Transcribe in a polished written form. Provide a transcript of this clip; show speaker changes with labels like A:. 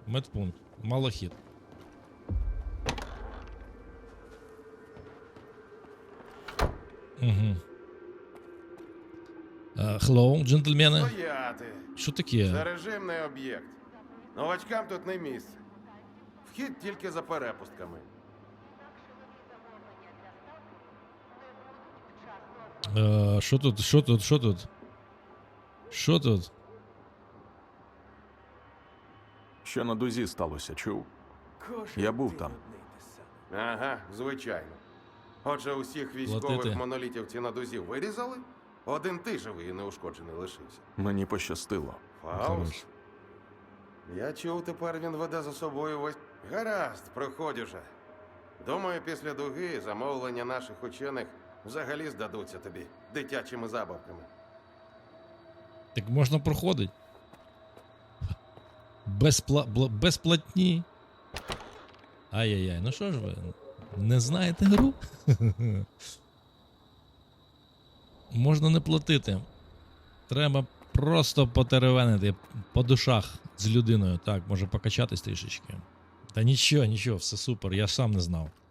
A: Медпункт. Малахіт. Угу. Hello, джентльмени.
B: Стояти.
A: Що таке?
B: Це режимний об'єкт. Новачкам тут не місце. Вхід тільки за перепустками.
A: Що тут? Що тут? Що тут? Що тут?
C: Що на дузі сталося, чув? Я був там.
B: Ага, звичайно. Отже, усіх військових
A: Платити.
B: монолітівці на дузі вирізали? Один ти живий і неушкоджений лишився.
C: Мені пощастило.
A: Хорош.
B: Фауст? Я чув, тепер він веде за собою весь... Гаразд, проходь уже. Думаю, після дуги замовлення наших учених взагалі здадуться тобі дитячими забавками.
A: Так можна проходить. Безплатні. Ай-яй-яй, ну що ж ви? Не знаєте гру? Можна не платити. Треба просто потеревенити по душах з людиною. Так, може покачатись трішечки. Та нічого, нічого, все супер, я сам не знав.